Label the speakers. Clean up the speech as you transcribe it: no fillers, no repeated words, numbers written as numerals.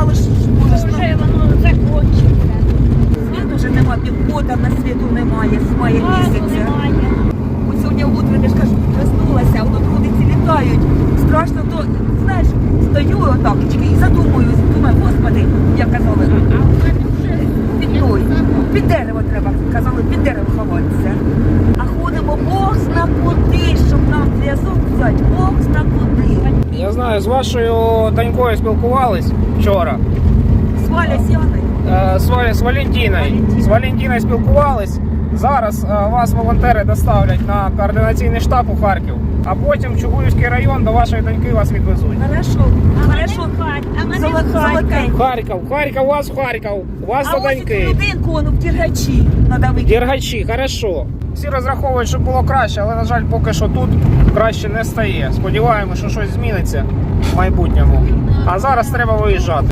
Speaker 1: думали, що можеш.
Speaker 2: Вже воно закончиться.
Speaker 1: Світу вже нема, півгода на світу немає, з мая
Speaker 2: Газу
Speaker 1: місяця.
Speaker 2: немає.
Speaker 1: От сьогодні утром, я ж кажу, проснулася, воно трудиці літають. Страшно, то, знаєш, стою отакочки і задумуюсь, думаю, господи, як казали,
Speaker 2: А в мене вже
Speaker 1: під той, під дерево треба, казали, під дерево ховатися. А ходимо Бог зна куди, щоб нам зв'язок взяти, Бог зна куди.
Speaker 3: Я знаю, з вашою донькою спілкувались вчора.
Speaker 1: Сваля сяни.
Speaker 3: З Валентиною. З Валентиною спілкувались. Зараз вас волонтери доставлять на координаційний штаб у Харків, а потім в Чугуївський район до вашої доньки вас відвезуть.
Speaker 1: Хорошо,
Speaker 2: А мене
Speaker 1: хорошо.
Speaker 2: в Харків. А мене в
Speaker 1: Золотенько.
Speaker 3: Харків, вас в Харків, вас
Speaker 1: А
Speaker 3: до
Speaker 1: ось
Speaker 3: доньки.
Speaker 1: цю людинку, он в Дергачі, надо викинути.
Speaker 3: Дергачі, хорошо. Всі розраховують, щоб було краще, але, на жаль, поки що тут краще не стає. Сподіваємося, що щось зміниться в майбутньому. А зараз треба виїжджати.